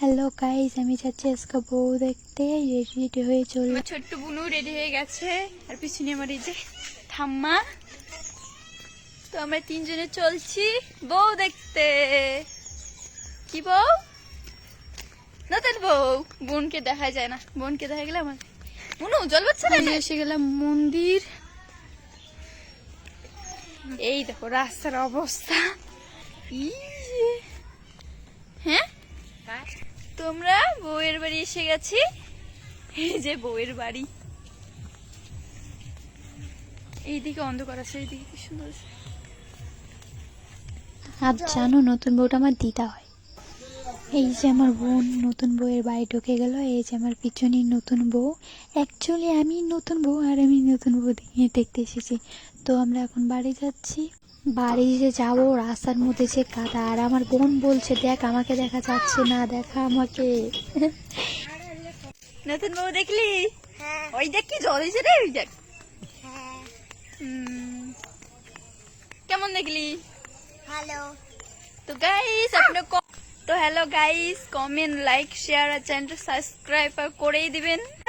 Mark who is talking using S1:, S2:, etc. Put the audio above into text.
S1: Hello guys, আমি যাচ্ছি আজকে বউ দেখতে। রেডি হয়ে চললাম।
S2: আমার ছোট্ট বুনু রেডি হয়ে গেছে, আর পিছনে আমার এই যে ঠাম্মা। তো আমরা তিনজনে চলছি বউ দেখতে। কি বউ? নতুন বউ। বোনকে দেখা যায় না, বোনকে দেখা গেলে আমার বুনু জল পাচ্ছে না। এসে গেলাম মন্দির। এই দেখো রাস্তার অবস্থা। হ্যাঁ, তোমরা বউয়ের বাড়ি এসে গেছি। এই যে বউয়ের বাড়ি, এইদিকে অন্ধকার আছে, এইদিকে কি সুন্দর।
S1: আজ জানো নতুন বউটা আমার দিদা হয়। এই যে আমার বোন নতুন বউয়ের বাড়ি ঢুকে গেল। এই যে আমার পিছনে নতুন বউ। অ্যাকচুয়ালি আমি নতুন বউ আর আমি নতুন বউ দেখতে এসেছি। তো আমরা এখন বাড়ি যাচ্ছি। বাড়ি যে যাবো, রাস্তার মধ্যে যে কাদা, আর আমার বোন বলছে দেখ আমাকে দেখা যাচ্ছে না, দেখা আমাকে।
S2: নতুন বউ দেখলি? ওই দেখ কি জল হয়েছে রে, ওই দেখ। কেমন দেখলি?
S3: हेलो
S2: তো গাইস আপনি তো hello guys, comment, like, share আর চ্যানেলটা সাবস্ক্রাইব করেই দিবেন।